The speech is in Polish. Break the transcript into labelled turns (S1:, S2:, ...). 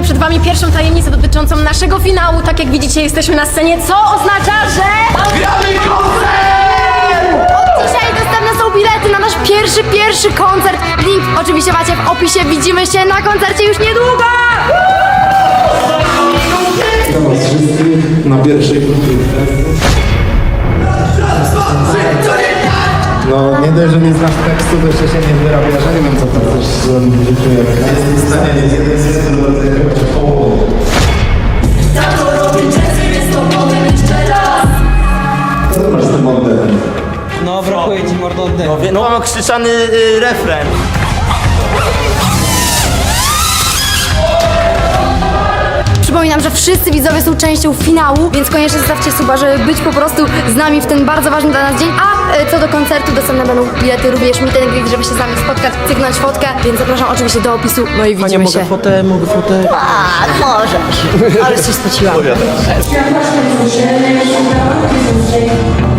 S1: przed wami pierwszą tajemnicę dotyczącą naszego finału. Tak jak widzicie, jesteśmy na scenie, co oznacza, że...
S2: Gramy koncert!
S1: Od dzisiaj dostępne są bilety na nasz pierwszy koncert. Link oczywiście macie w opisie. Widzimy się na koncercie już niedługo!
S3: Witam was wszystkich na pierwszej próbie. No nie dość, że nie znasz tekstu, to jeszcze się nie wyrabiasz, ja nie wiem co tam chcesz zrobić w życiu, jak jest w stanie mieć jeden zespół do rodzaju chociaż połowę. Co ty masz z tym oddechem?
S4: No, brakuje ci mordo oddechu.
S2: No mam krzyczany refren.
S1: Przypominam, że wszyscy widzowie są częścią finału, więc koniecznie zostawcie suba, żeby być po prostu z nami w ten bardzo ważny dla nas dzień. A co do koncertu, dostępne będą bilety, również meet and greet, żeby się z nami spotkać, cyknąć fotkę, więc zapraszam oczywiście do opisu, no i widzimy się.
S4: Mogę fotę.
S1: Tak, możesz. Ale się spociłam.